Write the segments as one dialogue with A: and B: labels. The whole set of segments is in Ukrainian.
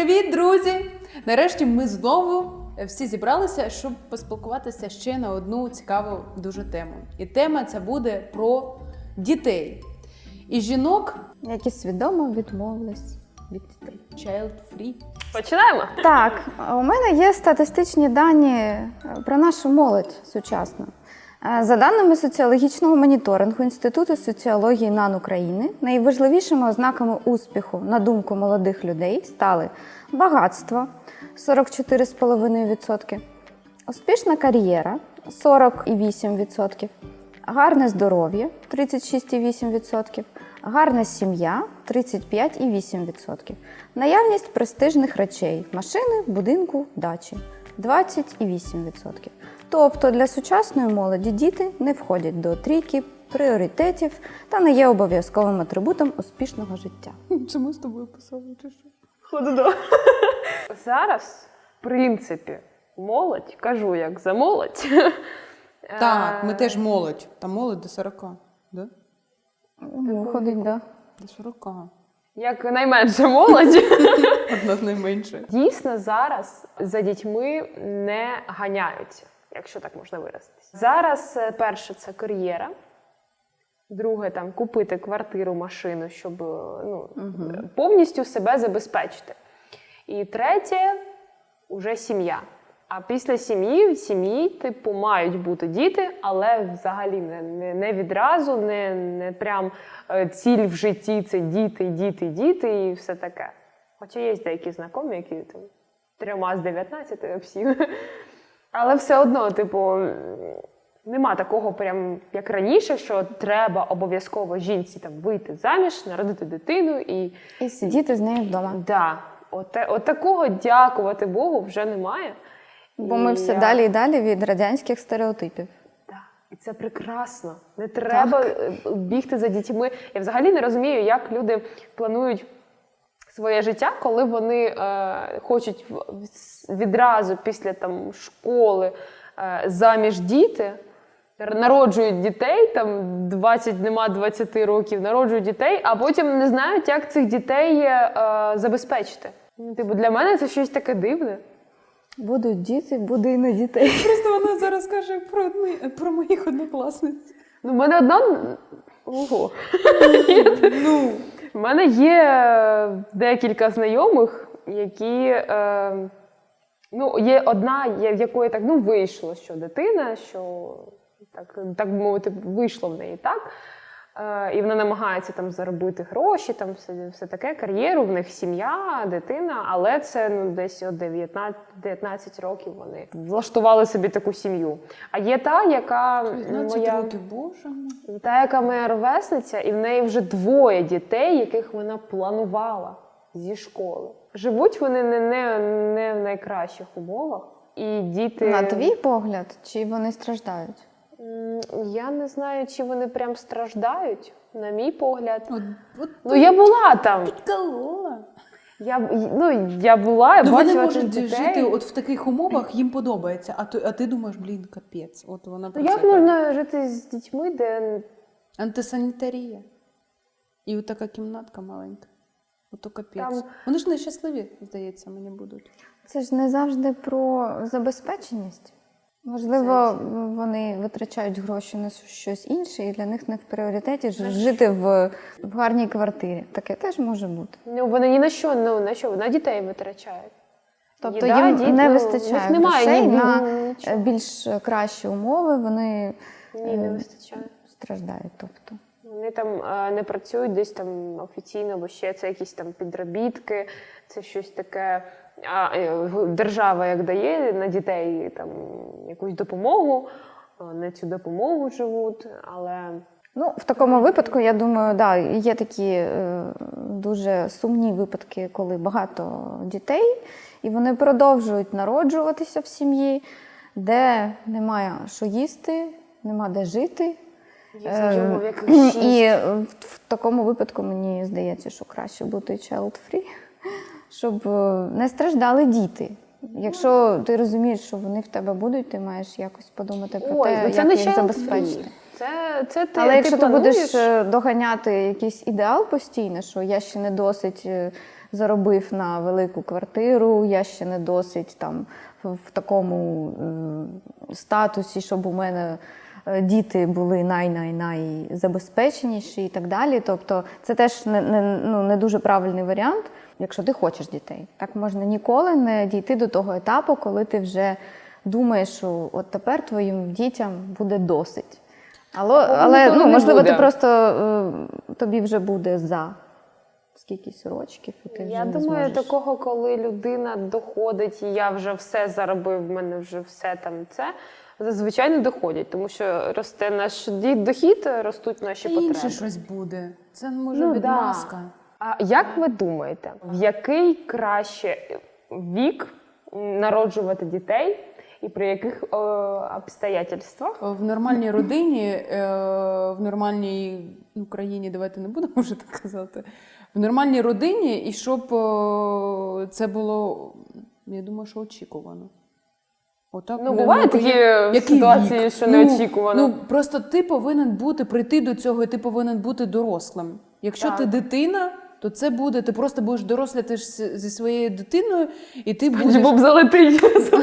A: Привіт, друзі! Нарешті ми знову всі зібралися, щоб поспілкуватися ще на одну цікаву дуже тему. І тема ця буде про дітей. І жінок,
B: які свідомо відмовились від дітей.
A: Child-free.
C: Починаємо?
B: Так, у мене є статистичні дані про нашу молодь сучасну. За даними соціологічного моніторингу Інституту соціології НАН України, найважливішими ознаками успіху, на думку молодих людей, стали багатство – 44,5%, успішна кар'єра – 40,8%, гарне здоров'я – 36,8%, гарна сім'я – 35,8%, наявність престижних речей – машини, будинку, дачі – 20,8%. Тобто для сучасної молоді діти не входять до трійки пріоритетів та не є обов'язковим атрибутом успішного життя.
A: Це ми з тобою писали, чи що?
C: Хододо. Зараз, в принципі, молодь, кажу як за молодь.
A: Так, ми теж молодь. Там молодь до 40, да?
B: Виходить, да.
A: До 40.
C: Як найменша молодь.
A: Одна з найменших.
C: Дійсно, зараз за дітьми не ганяються, якщо так можна виразитися. Зараз перше – це кар'єра. Друге – там купити квартиру, машину, щоб повністю себе забезпечити. І третє – уже сім'я. А після сім'ї, типу, мають бути діти, але взагалі не відразу, не прям ціль в житті – це діти і все таке. Хоча є деякі знайомі, які там 3 з 19 всі. Але все одно, типу, нема такого прям, як раніше, що треба обов'язково жінці там вийти заміж, народити дитину
B: І сидіти з нею вдома.
C: Да. От такого, дякувати Богу, вже немає.
B: Бо ми все далі і далі від радянських стереотипів.
C: Так. І це прекрасно. Не треба бігти за дітьми. Я взагалі не розумію, як люди планують своє життя, коли вони хочуть відразу після там, школи заміж діти, народжують дітей, там 20 років, народжують дітей, а потім не знають, як цих дітей забезпечити. Типу, для мене це щось таке дивне.
B: Будуть діти, буде і на дітей.
A: Просто вона зараз каже про моїх однокласниць.
C: Ну, в мене одна... Ого.
A: Ну...
C: У мене є декілька знайомих, які, є одна, в якої так, вийшло, що дитина, що, так би мовити, вийшло в неї так. І вона намагається там заробити гроші, там все таке, кар'єру, в них сім'я, дитина, але це десь от 19 років вони влаштували собі таку сім'ю. А є та, яка
A: 19 років, боже мій.
C: Та, яка моя ровесниця, і в неї вже 2 дітей, яких вона планувала зі школи. Живуть вони не в найкращих умовах. І діти...
B: На твій погляд, чи вони страждають?
C: Я не знаю, чи вони прям страждають, на мій погляд.
A: Я
C: була там.
A: Підколола.
C: Я була, я бачила
A: Вони
C: цих
A: можуть
C: дітей.
A: жити от в таких умовах, їм подобається, а ти думаєш, капець. От вона про це
C: Як можна жити з дітьми, де...
A: Антисанітарія. І от така кімнатка маленька. Ото капець.
C: Там...
A: Вони ж нещасливі, здається, мені будуть.
B: Це ж не завжди про забезпеченість. Можливо, вони витрачають гроші на щось інше, і для них не в пріоритеті жити в гарній квартирі. Таке теж може бути.
C: Вони ні на що, на дітей витрачають.
B: Тобто їм не вистачає грошей на більш кращі умови, вони
C: не вистачає.
B: Страждають. Тобто.
C: Вони там не працюють десь там офіційно, бо ще це якісь там підробітки, це щось таке. Держава як дає на дітей там якусь допомогу, на цю допомогу живуть, але...
B: В такому випадку, я думаю, є такі дуже сумні випадки, коли багато дітей, і вони продовжують народжуватися в сім'ї, де немає що їсти, нема де жити. І в такому випадку мені здається, що краще бути child-free, щоб не страждали діти. Якщо ти розумієш, що вони в тебе будуть, ти маєш якось подумати про те, як їх забезпечити. Але якщо ти будеш доганяти якийсь ідеал постійно, що я ще не досить заробив на велику квартиру, я ще не досить там в такому статусі, щоб у мене діти були найзабезпеченіші і так далі. Тобто це теж не дуже правильний варіант, якщо ти хочеш дітей. Так можна ніколи не дійти до того етапу, коли ти вже думаєш, що от тепер твоїм дітям буде досить. Але
C: ніколи не
B: можливо,
C: буде.
B: ти просто тобі вже буде за скількись рочків, і ти вже
C: Я
B: не
C: думаю,
B: зможеш.
C: такого, коли людина доходить, і я вже все заробив, в мене вже все там це, зазвичай не доходять, тому що росте наш дохід, ростуть наші
A: Та
C: потреби.
A: інше щось буде. Це може
C: Ну,
A: відмазка.
C: А як ви думаєте, в який краще вік народжувати дітей і при яких обстоятельствах?
A: В нормальній родині, в нормальній країні, давайте не будемо вже так казати, в нормальній родині, і щоб це було, я думаю, що очікувано. Отак,
C: Ну, бувають такі
A: який
C: ситуації,
A: вік?
C: що неочікувано.
A: Ну, просто ти повинен прийти до цього, і ти повинен бути дорослим. Якщо
C: Так.
A: ти дитина, то це буде, ти просто будеш дорослити зі своєю дитиною, і ти
C: Спанч
A: будеш...
C: Боб залетить.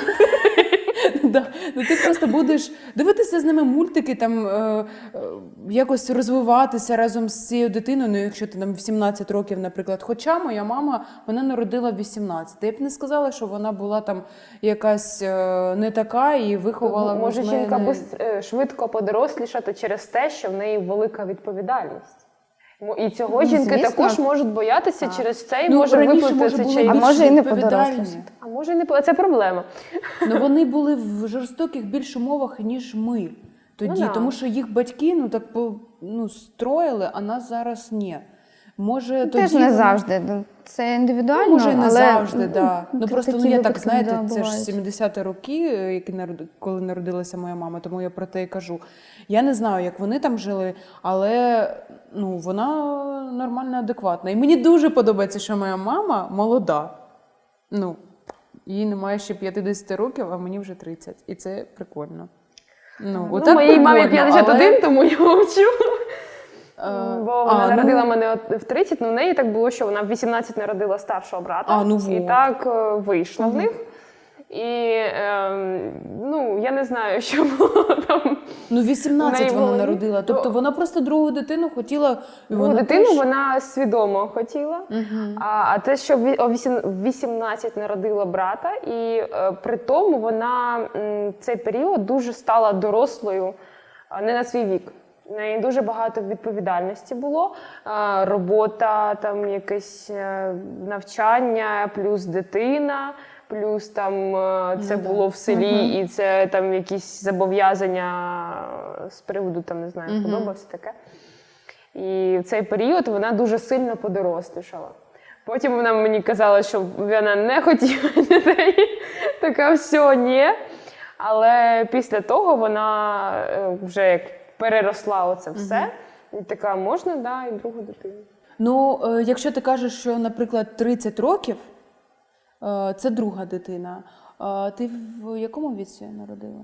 A: Да. Ну, ти просто будеш дивитися з ними мультики, там, якось розвиватися разом з цією дитиною, ну, якщо ти там в 17 років, наприклад. Хоча моя мама, вона народила в 18. Я б не сказала, що вона була там якась не така і виховала
C: Може
A: з мене...
C: жінка швидко подорослішати через те, що в неї велика відповідальність. І цього жінки
B: звісно.
C: також можуть боятися через це і
A: Ну,
C: може
A: раніше,
C: виплатити
A: може, були
C: чай.
B: А
A: більш
B: може, і не
A: відповідальні.
B: подорослішати.
C: А може і не це проблема.
A: Ну, вони були в жорстоких більш умовах, ніж ми тоді.
C: Ну, да.
A: Тому що їх батьки строїли, а нас зараз ні. Може,
B: Теж
A: тоді
B: не
A: вони-
B: завжди. Це індивідуально,
A: Ну, може, і не
B: але
A: завжди, да. Ну просто
B: такі
A: я так,
B: випадки,
A: знаєте,
B: да,
A: це ж
B: бувають.
A: 70-ті роки, коли народилася моя мама, тому я про те і кажу. Я не знаю, як вони там жили, але вона нормально адекватна. І мені дуже подобається, що моя мама молода. Їй немає ще 50 років, а мені вже 30. І це прикольно. Отак
C: Моїй мамі
A: прикольно,
C: 51,
A: але-
C: тому я мовчу. Бо вона
A: ну-
C: народила мене в 30, в неї так було, що вона в 18 народила старшого брата. І
A: вот.
C: так вийшло в них. І я не знаю, що було там.
A: 18
C: в неї
A: вона
C: було.
A: народила. Тобто вона просто другу дитину хотіла. І
C: Другу
A: вона
C: дитину
A: теж-
C: вона свідомо хотіла. А те, що в 18 народила брата, і при тому вона цей період дуже стала дорослою, не на свій вік. В неї дуже багато відповідальності було. Робота, там якесь навчання, плюс дитина, плюс там це було в селі, і це там якісь зобов'язання з приводу, там, не знаю, подобався таке. І в цей період вона дуже сильно подорослішала. Потім вона мені казала, що вона не хотіла дітей. Така, все, ні. Але після того вона вже як переросла оце все. І така, можна, да, і другу дитину.
A: Якщо ти кажеш, що, наприклад, 30 років, це друга дитина. Ти в якому віці народила?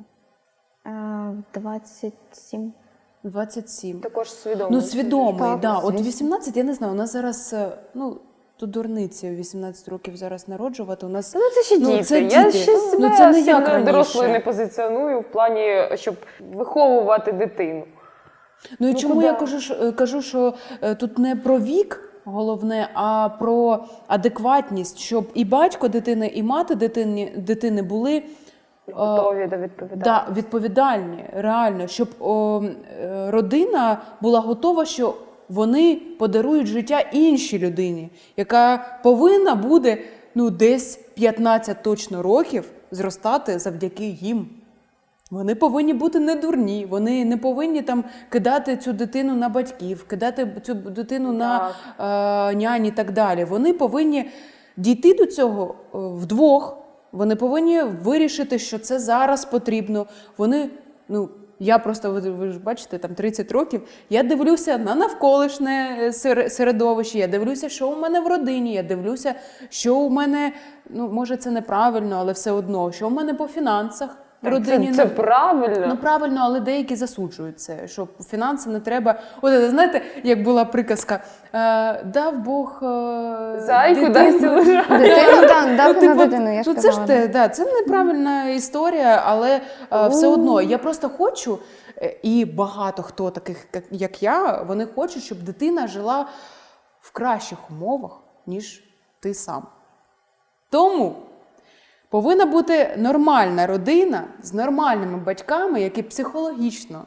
B: 27.
A: 27.
C: Також свідомо.
A: Свідомий,
B: Так,
A: да. От
B: звісно.
A: 18, я не знаю, у нас зараз, то дурниці в 18 років зараз народжувати. У нас,
C: Це ще діти.
A: це
C: Я
A: діти.
C: ще себе
A: Це не як
C: сильно
A: раніше.
C: дорослою не позиціоную в плані, щоб виховувати дитину.
A: І чому
C: куди?
A: я кажу, що тут не про вік головне, а про адекватність, щоб і батько дитини, і мати дитини були
C: Готові до відповідальності.
A: да, відповідальні, реально, щоб родина була готова, що вони подарують життя іншій людині, яка повинна буде десь 15 точно років зростати завдяки їм. Вони повинні бути не дурні, вони не повинні там кидати цю дитину на батьків, кидати цю дитину на нянь і так далі. Вони повинні дійти до цього вдвох, вони повинні вирішити, що це зараз потрібно. Вони, я просто, ви ж бачите, там 30 років, я дивлюся на навколишнє середовище, я дивлюся, що у мене в родині, я дивлюся, що у мене, може це неправильно, але все одно, що у мене по фінансах. родині
C: Це правильно.
A: Ну правильно, але деякі засуджують це, що фінанси не треба. От знаєте, як була приказка, дав Бог
C: Зайку дасть лежати.
B: Дитину дав
A: типу,
B: на дитину, я ж
A: це ж
B: казала.
A: те, це неправильна історія, але все одно я просто хочу, і багато хто таких, як я, вони хочуть, щоб дитина жила в кращих умовах, ніж ти сам. Тому повинна бути нормальна родина з нормальними батьками, які психологічно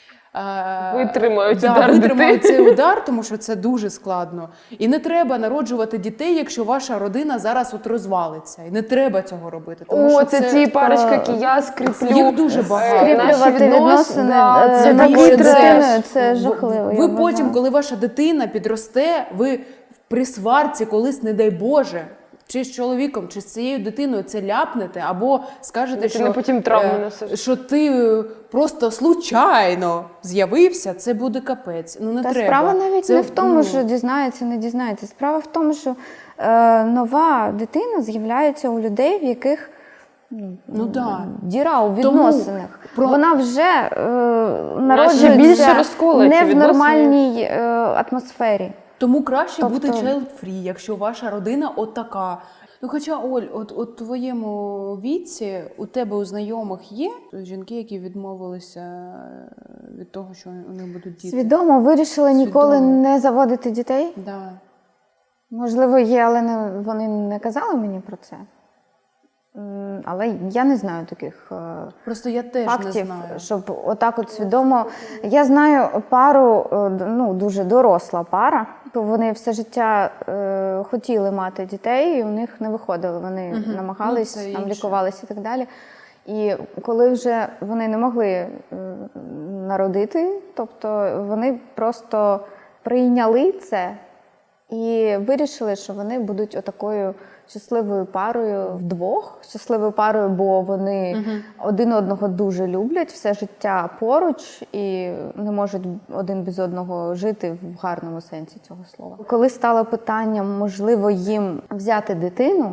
C: Витримають
A: витримають цей удар, тому що це дуже складно. І не треба народжувати дітей, якщо ваша родина зараз от розвалиться. І не треба цього робити. Тому що
C: Це ті парочки, які я скріплю.
A: Їх дуже багато.
B: Скріплювати відносини
C: да,
B: з
C: це
B: такою
C: такий
B: дитиною,
C: треш.
B: це жахливо. я
A: Ви
B: вважаю.
A: потім, коли ваша дитина підросте, ви при сварці колись, не дай Боже, чи з чоловіком, чи з цією дитиною це ляпнете, або скажете,
C: Ти
A: що,
C: потім травму несеш.
A: що ти просто случайно з'явився, це буде капець. Ну не
B: Та
A: треба.
B: справа навіть
A: Це,
B: не в тому,
A: ну,
B: що дізнається, не дізнається. Справа в тому, що нова дитина з'являється у людей, в яких
A: ну да.
B: діра у відносинах.
A: про-
B: Вона вже
C: більше
B: народжується
C: розколується
B: не в
C: відносини.
B: нормальній атмосфері.
A: Тому краще бути
B: Тобто-
A: child-free, якщо ваша родина отака. Ну, хоча, Оль, от у твоєму віці у тебе у знайомих є жінки, які відмовилися від того, що у них будуть діти?
B: Свідомо вирішили ніколи
A: Свідомо.
B: не заводити дітей.
A: Да.
B: Можливо, є, але вони не казали мені про це. Але я не знаю таких
A: Просто я теж
B: фактів,
A: не знаю.
B: щоб отак от свідомо. Я знаю пару, ну, дуже доросла пара, то вони все життя хотіли мати дітей, і у них не виходило. Вони намагались,
A: Ну, це
B: там
A: інше.
B: лікувалися і так далі. І коли вже вони не могли народити, тобто вони просто прийняли це і вирішили, що вони будуть отакою щасливою парою вдвох, щасливою парою, бо вони один одного дуже люблять, все життя поруч і не можуть один без одного жити в гарному сенсі цього слова. Коли стало питанням, можливо, їм взяти дитину,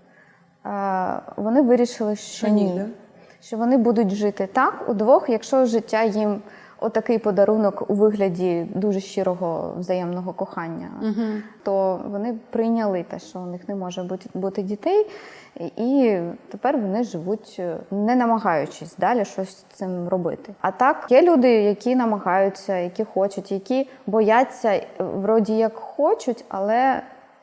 B: вони вирішили, що
A: Ні,
B: ні.
A: да?
B: Що вони будуть жити так удвох, якщо життя їм отакий подарунок у вигляді дуже щирого взаємного кохання, то вони прийняли те, що у них не може бути дітей, і тепер вони живуть, не намагаючись далі щось з цим робити. А так, є люди, які намагаються, які хочуть, які бояться, вроді як хочуть, але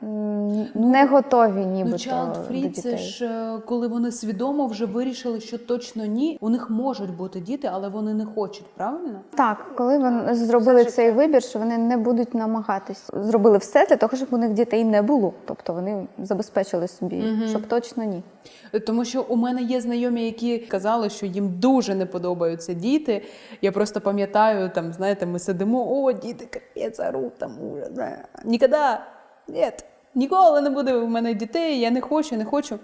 B: не готові
A: Ну,
B: нібито до
A: child-free
B: дітей.
A: це ж коли вони свідомо вже вирішили, що точно ні. У них можуть бути діти, але вони не хочуть, правильно?
B: Так, коли вони зробили цей вибір, що вони не будуть намагатись. Зробили все для того, щоб у них дітей не було. Тобто вони забезпечили собі, щоб точно ні.
A: Тому що у мене є знайомі, які казали, що їм дуже не подобаються діти. Я просто пам'ятаю, там, знаєте, ми сидимо, о, діти, капець, оруть, там, ужас. Ніколи, ні, ніколи не буде у мене дітей, я не хочу.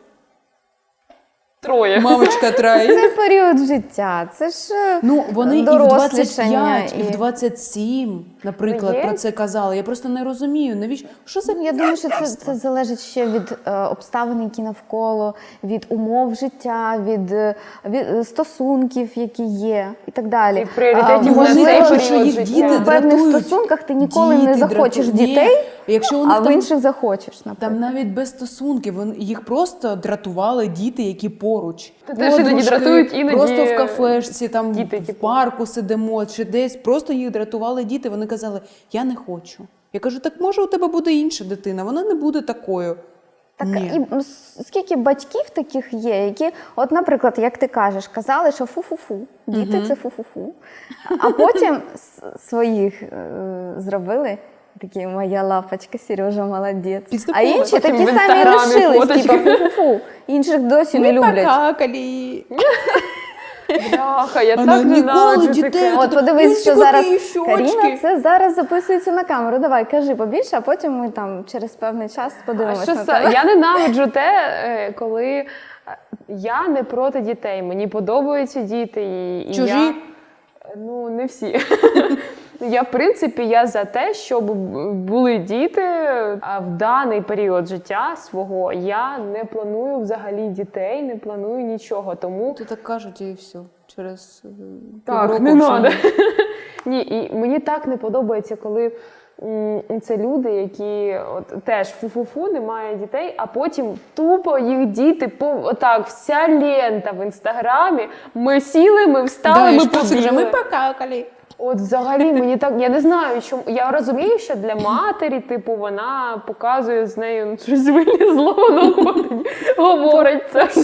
C: Троє.
A: Мамочка трай.
B: Це період життя, це ж
A: Ну, вони і в
B: дорослішання,
A: 25, і в 27, наприклад,
C: Є?
A: про це казали. Я просто не розумію, навіщо? Що за
B: Я думаю, що це залежить ще від обставин, які навколо, від умов життя, від стосунків, які є, і так далі.
C: І в пріоритеті
A: вони
C: на цей
A: кажуть, що
C: період
A: їх
C: життя.
A: діти
B: В певних
A: дратують.
B: стосунках ти ніколи не
A: Діти
B: захочеш
A: дратують.
B: дітей,
A: Ні. Якщо у них
B: а в
A: там,
B: інших захочеш, наприклад.
A: там навіть без стосунків, їх просто дратували діти, які поруч.
C: Та теж іноді
A: Подружки,
C: дратують, іноді
A: просто в кафешці, там
C: діти,
A: в
C: типу.
A: парку сидимо, чи десь. Просто їх дратували діти. Вони казали, я не хочу. Я кажу, так може у тебе буде інша дитина, вона не буде такою.
B: Так,
A: Ні.
B: і скільки батьків таких є, які, от, наприклад, як ти кажеш, казали, що фу-фу-фу, діти це фу-фу-фу. А потім своїх зробили, такі, моя лапочка, Сережа, молодець. А
A: Підступили.
B: інші
C: Потім
B: такі
C: в
B: самі
C: Інстаграмі
B: лишились,
C: фоточки.
B: типу фу-фу-фу. Інших досі не
A: Ми
B: люблять.
A: покакали.
C: Бляха, я
A: Вона
C: так
A: ніколи
C: ненавиджу
A: дітей
C: таке.
B: От подивись, що
A: Ну,
B: зараз
A: такі щочки.
B: Каріна, це зараз записується на камеру. Давай, кажи побільше, а потім ми там через певний час
C: А
B: подивимося
C: що
B: на
C: це?
B: тебе.
C: Я ненавиджу те, коли я не проти дітей. Мені подобаються діти. І
A: Чужі?
C: Я... Ну, не всі. Я, в принципі, я за те, щоб були діти, а в даний період життя свого я не планую взагалі дітей, не планую нічого, тому...
A: То так кажуть і все. Через
C: Так,
A: півроку
C: не
A: вже
C: надо.
A: ні.
C: Ні, і мені так не подобається, коли це люди, які от теж фу-фу-фу, немає дітей, а потім тупо їх діти, отак, вся лента в інстаграмі, ми сіли, ми встали, ми побігли.
A: Ми покакали.
C: От взагалі мені так, я не знаю, чому. Я розумію, що для матері, типу, вона показує з нею щось вилізло, воно говорить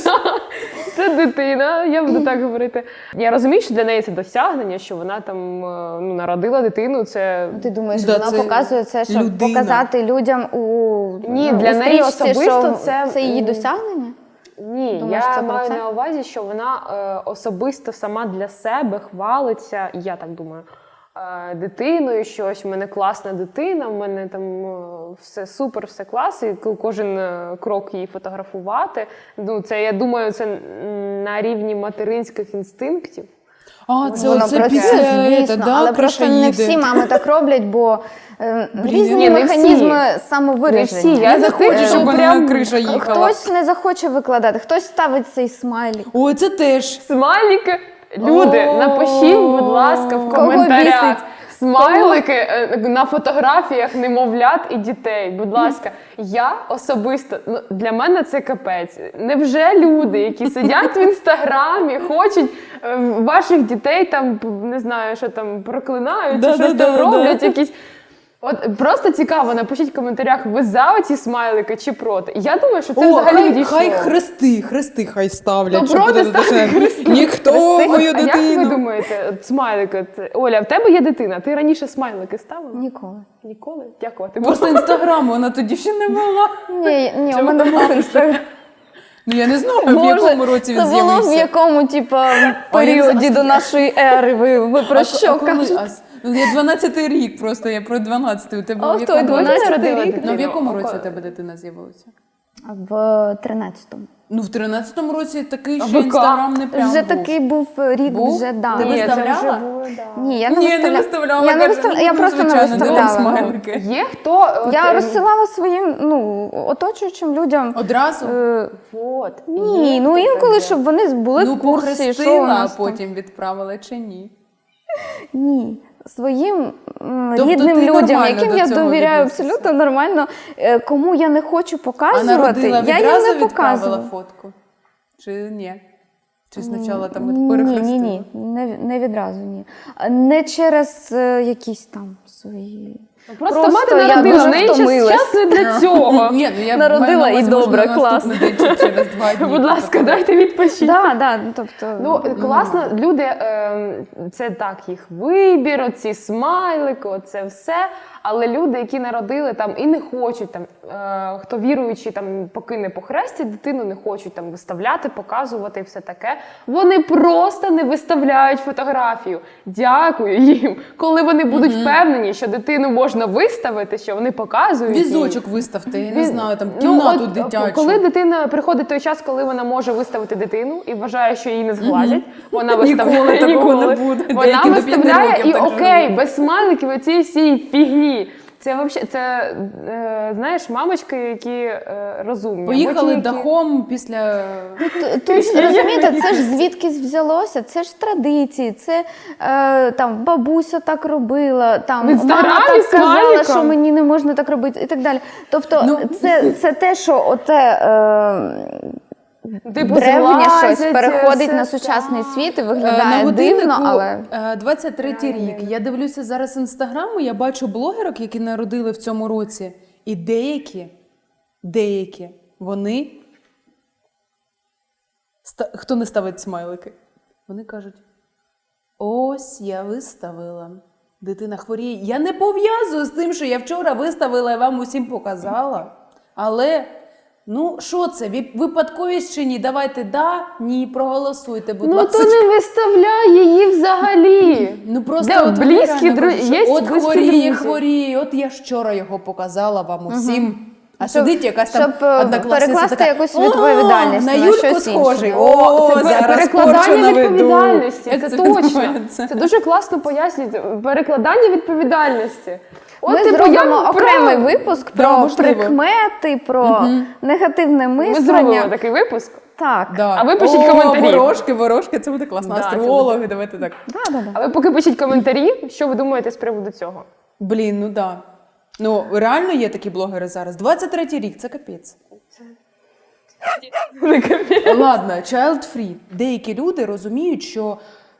C: це дитина, я буду так говорити. Я розумію, що для неї це досягнення, що вона там народила дитину, це...
B: Ти думаєш,
A: Да,
B: вона
A: це
B: показує це, щоб
A: людина.
B: показати людям
C: Ні,
B: у
C: для неї
B: стрічці,
C: особисто
B: що це її досягнення?
C: Ні,
B: Думаєш,
C: я
B: це про
C: маю
B: це?
C: на увазі, що вона особисто сама для себе хвалиться, я так думаю, дитиною, що ось в мене класна дитина, в мене там все супер, все клас, і кожен крок її фотографувати. Ну, це, я думаю, це на рівні материнських інстинктів.
A: А, це
B: Воно
A: оце
B: працює,
A: після
B: звісно,
A: да,
B: але просто не всі мами так роблять, бо різні
C: ні, не
B: механізми
C: всі.
B: самовираження.
C: Не всі. Я
A: не хочу,
C: захочу,
A: щоб вона
C: прям
A: на криша їхала.
B: Хтось не захоче викладати, хтось ставить цей смайлик.
A: Ой, це теж.
C: Смайлики. Люди,
A: О,
C: напишіть, будь ласка, в
B: кого
C: коментарях.
B: бісить?
C: Смайлики на фотографіях немовлят і дітей. Будь ласка, я особисто, для мене це капець. Невже люди, які сидять в інстаграмі, хочуть ваших дітей там, не знаю, що там проклинають, чи щось там роблять, якісь. От просто цікаво, напишіть в коментарях, ви за оці смайлики чи проти. Я думаю, що це взагалі відійшло.
A: хай хрести хай ставлять.
C: Ну,
A: щоб
C: проти
A: буде
C: ставте
A: дешевше.
C: хрести.
A: Ніхто
C: Хрести?
A: мою
C: А як ви
A: дитину.
C: думаєте, от смайлики? Оля, в тебе є дитина, ти раніше смайлики ставила?
B: Ніколи.
C: Ніколи? Дякувати.
A: Просто інстаграму вона тоді ще не була.
B: Ні, у мене був інстаграм.
A: Ну я не знаю, в якому році він
B: це було в
A: з'явився.
B: якому, періоді до нашої ери. Ви про що кажете?
A: Ну, я 12-й рік просто, я про 12-й. У тебе
B: А
A: в
B: хто,
A: якому
B: 12-й
A: році?
B: рік?
A: Ну, в якому році у тебе дитина з'явилася?
B: В 13-му.
A: Ну, в 13-му році такий
C: А
A: ще
C: ВК?
A: інстаграм не прям
B: Вже
A: був.
B: такий був рік,
A: Був?
B: вже да.
A: Ти
C: Ні, це
A: виставляла?
C: вже було, да.
B: Ні, я не
A: Ні,
B: виставляла.
A: не виставляла.
B: Я, не
A: каже,
B: виставляла. Я
A: ну,
B: просто не
A: звичайно, де вам
B: виставляла.
A: смайлики?
C: Є хто?
B: Я розсилала своїм оточуючим людям.
A: Одразу?
C: Вот.
B: Ні, ну інколи, щоб вони були
A: Ну,
B: в курсі, що у
A: похрестила, а
B: нас там.
A: потім відправила чи ні?
B: Ні. Своїм
A: Тобто
B: рідним
A: ти
B: людям,
A: нормально
B: яким
A: до
B: я
A: цього
B: довіряю
A: відносишся?
B: абсолютно нормально, кому я не хочу
A: А
B: показувати,
A: народила
B: я їм
A: відразу
B: не
A: відправила
B: показую.
A: фотку? Чи ні? Чи спочатку там
B: Ні,
A: перехрестила?
B: ні, не відразу, ні. Не через якісь там свої...
C: Просто
B: Просто
C: мати
B: я
C: народила,
B: дуже
C: в неї
B: втомилась.
C: час не для цього.
A: Ні, ну я
B: Народила
A: маю на увазі,
B: і добре,
A: можна на наступний день чи через 2 дні.
C: Будь ласка, дайте відпочити.
B: Да, тобто...
C: Ну, класно, люди, це так, їх вибір, оці смайлики, оце все. Але люди, які народили там і не хочуть, там, хто віруючий, там, поки не похрестять дитину, не хочуть там виставляти, показувати і все таке, вони просто не виставляють фотографію. Дякую їм. Коли вони будуть впевнені, що дитину можна виставити, що вони показують її.
A: Візочок виставте, я не
C: Він-
A: знаю, там
C: Ну,
A: кімнату
C: от,
A: дитячу.
C: Коли дитина приходить той час, коли вона може виставити дитину і вважає, що її не зглазять, вона виставляє
A: Ніколи такого
C: ніколи.
A: не буде.
C: Вона
A: Деякі до 5
C: виставляє
A: років
C: і
A: так
C: окей,
A: живуть.
C: без смайликів оцієї всієї фігні. Це взагалі, знаєш, мамочки, які розумні.
A: Поїхали
C: Або ті, які-
A: дахом після...
B: Тут ж, розумієте, це ж звідкись взялося, це ж традиції, це там бабуся так робила, там
C: В Інстаграмі
B: мама так
C: з
B: казала,
C: смайликом.
B: що мені не можна так робити і так далі. Тобто
A: Ну,
B: це те, що оте
C: Типу,
B: древнє щось
C: злазять,
B: переходить
C: все
B: на сучасний
C: так.
B: світ і
A: На
B: виглядає дивно, але
A: 23-й рік. Я дивлюся зараз інстаграму, я бачу блогерок, які народили в цьому році. І деякі, вони, хто не ставить смайлики, вони кажуть, ось я виставила, дитина хворіє. Я не пов'язую з тим, що я вчора виставила і вам усім показала. Але, ну, що це, випадковість чи ні? Давайте да, ні, проголосуйте, будь
C: Ну
A: ласка.
C: то не виставляй її взагалі.
A: Ну просто
C: Де
A: от
C: близькі
A: реально кажуть,
C: є
A: що от
C: близькі
A: хворіє,
C: друзі.
A: хворіє, от я ж вчора його показала вам усім, А сидить якась там
B: щоб
A: однокласниця
B: перекласти
A: така,
B: якусь відповідальність
A: на
B: на
A: Юльку
B: щось
A: схожий.
B: інше.
A: О,
C: це
A: зараз
C: перекладання
A: порчу наведу.
C: відповідальності,
A: Як
C: це точно.
A: відбувається?
C: Це дуже класно пояснюється. Перекладання відповідальності.
B: Ми
C: типу,
B: зробимо
C: я
B: окремий випуск
A: Да,
B: про
A: можливо.
B: прикмети, про негативне
C: Ми
B: мислення.
C: зробимо такий випуск.
B: Так.
A: Да.
C: А ви пишіть
A: О,
C: коментарі.
A: Ворожки, це буде класно.
C: Да, це
A: Астрологи, давайте так.
B: Да.
C: А ви поки пишіть коментарі, що ви думаєте з приводу цього?
A: Блін, ну да. Ну, реально є такі блогери зараз. 23-й рік, це капець. Ладно, child free. Деякі люди розуміють, що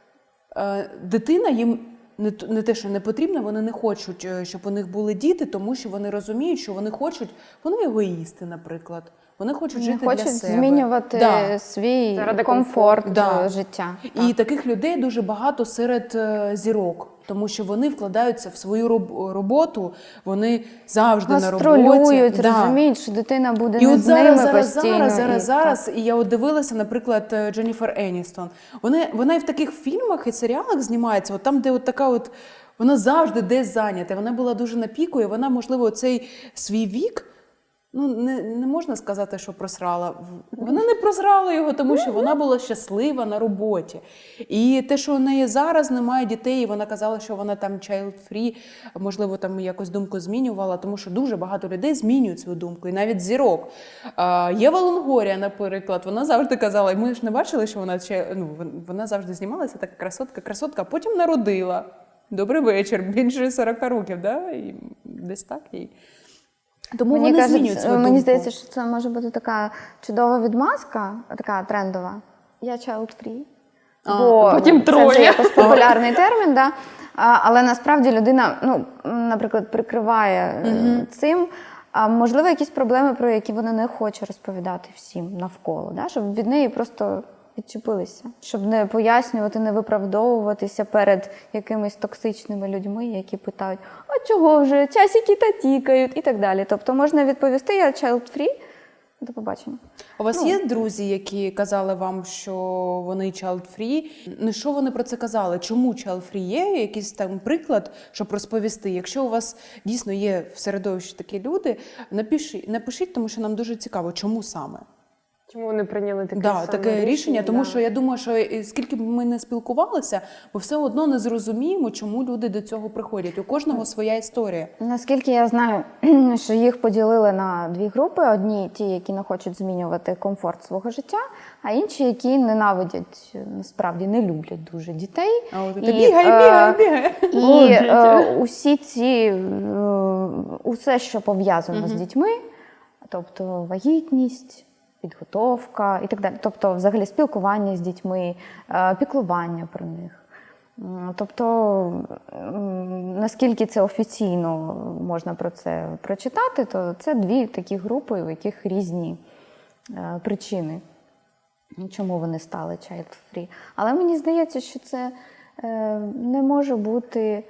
A: дитина їм не те, що не потрібна, вони не хочуть, щоб у них були діти, тому що вони розуміють, що вони хочуть, вони егоїсти, наприклад. Вони хочуть
B: Не
A: жити
B: хочуть
A: для себе.
B: змінювати
A: Да.
B: свій
C: Заради
B: комфорт
A: Да.
B: життя.
A: І таких людей дуже багато серед зірок, тому що вони вкладаються в свою роботу, вони завжди на роботі.
B: Гастролюють,
A: Да.
B: розуміють, що дитина буде
A: І
B: не
A: от
B: з ними
A: зараз,
B: постійно.
A: зараз, і я от дивилася, наприклад, Дженніфер Еністон. Вона і в таких фільмах і серіалах знімається, от там, де от така от, вона завжди десь зайнята. Вона була дуже на піку, і вона, можливо, цей свій вік, ну, не можна сказати, що просрала. Вона не просрала його, тому що вона була щаслива на роботі. І те, що у неї зараз немає дітей, і вона казала, що вона там child-free, можливо, там якось думку змінювала, тому що дуже багато людей змінюють свою думку, і навіть зірок. Єва Лонгорія, наприклад, вона завжди казала, і ми ж не бачили, що вона завжди знімалася, така красотка, а потім народила. Добрий вечір, більше 40 років, да? І десь так їй. Тому вони змінюють свою думку.
B: Мені здається, що це може бути така чудова відмазка, така трендова. Я child-free. Бо
C: потім
B: це
C: троє.
B: вже якось популярний термін, да? Але насправді людина, ну, наприклад, прикриває цим. А можливо, якісь проблеми, про які вона не хоче розповідати всім навколо, да? Щоб від неї просто відчепилися, щоб не пояснювати, не виправдовуватися перед якимись токсичними людьми, які питають, а чого вже, часики та тікають і так далі. Тобто можна відповісти, я child-free, до побачення.
A: У вас є друзі, які казали вам, що вони child-free? Ну, що вони про це казали? Чому child-free є? Якийсь там приклад, щоб розповісти? Якщо у вас дійсно є в середовищі такі люди, напишіть, тому що нам дуже цікаво, чому саме.
C: Чому вони прийняли таке саме
A: таке рішення, тому
C: да.
A: що я думаю, що скільки б ми не спілкувалися, ми все одно не зрозуміємо, чому люди до цього приходять. У кожного своя історія.
B: Наскільки я знаю, що їх поділили на дві групи. Одні ті, які не хочуть змінювати комфорт свого життя, а інші, які ненавидять, насправді не люблять дуже дітей.
A: А от ти бігай.
B: І усі ці, усе, що пов'язано з дітьми, тобто вагітність, підготовка і так далі. Тобто, взагалі, спілкування з дітьми, піклування про них. Тобто, наскільки це офіційно можна про це прочитати, то це дві такі групи, у яких різні причини, чому вони стали child-free. Але мені здається, що це не може бути,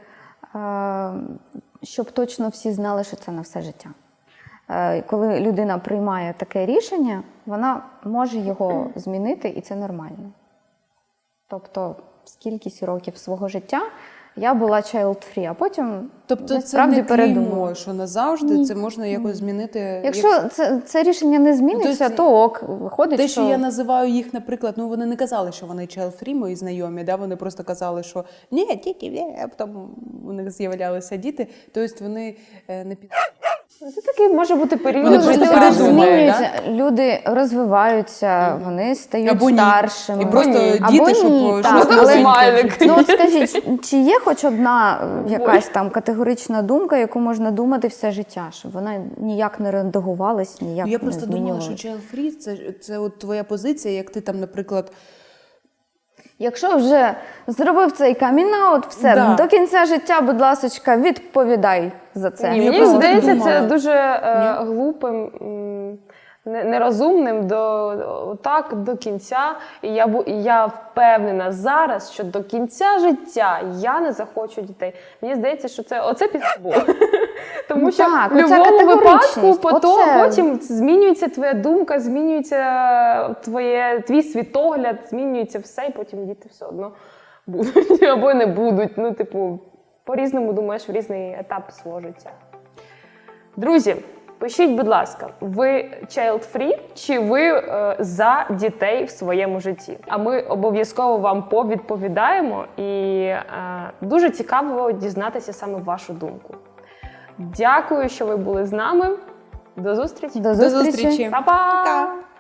B: щоб точно всі знали, що це на все життя. Коли людина приймає таке рішення, вона може його змінити, і це нормально. Тобто, скількись років свого життя я була child-free, а потім
A: Тобто
B: насправді
A: це не
B: передумала.
A: клеймо, що назавжди це можна якось змінити.
B: Якщо це рішення не зміниться,
A: Тобто,
B: то ок, виходить,
A: те, що я називаю їх, наприклад, ну вони не казали, що вони child-free, мої знайомі, да? Вони просто казали, що ні, тільки, а потім у них з'являлися діти, тобто вони не під...
C: Це такий може бути період.
A: Вони
B: люди
A: просто
C: життя.
A: передумали,
B: змінюються, люди розвиваються, вони стають
A: Або ні.
B: старшими.
A: І просто
B: Або
A: діти,
B: ні,
A: щоб
B: так.
A: щось
C: Але-
A: новеньке.
C: смайлик.
B: Ну от скажіть, чи є хоч одна якась там категорична думка, яку можна думати все життя, щоб вона ніяк не редагувалась, ніяк
A: Я
B: не
A: просто думала,
B: змінювалась?
A: що child-free – це от твоя позиція, як ти там, наприклад,
B: Якщо вже зробив цей камін-аут, все,
A: Да.
B: до кінця життя, будь ласочка, відповідай за це.
C: Ні,
A: Я
C: мені
A: просто так
C: здається,
A: думала.
C: це дуже глупим, нерозумним так до кінця. І я впевнена зараз, що до кінця життя я не захочу дітей. Мені здається, що оце підбул. Тому що
B: Так,
C: в
B: оця
C: будь-якому випадку
B: категоричність, оце.
C: потім змінюється твоя думка, змінюється твій світогляд, змінюється все, і потім діти все одно будуть або не будуть. Ну, типу, по-різному думаєш в різний етап свого життя. Друзі, Пишіть, будь ласка, ви child-free чи ви за дітей в своєму житті? А ми обов'язково вам повідповідаємо і дуже цікаво дізнатися саме вашу думку. Дякую, що ви були з нами. До зустрічі!
B: До
A: До зустрічі!
C: Па-па!
A: Пока!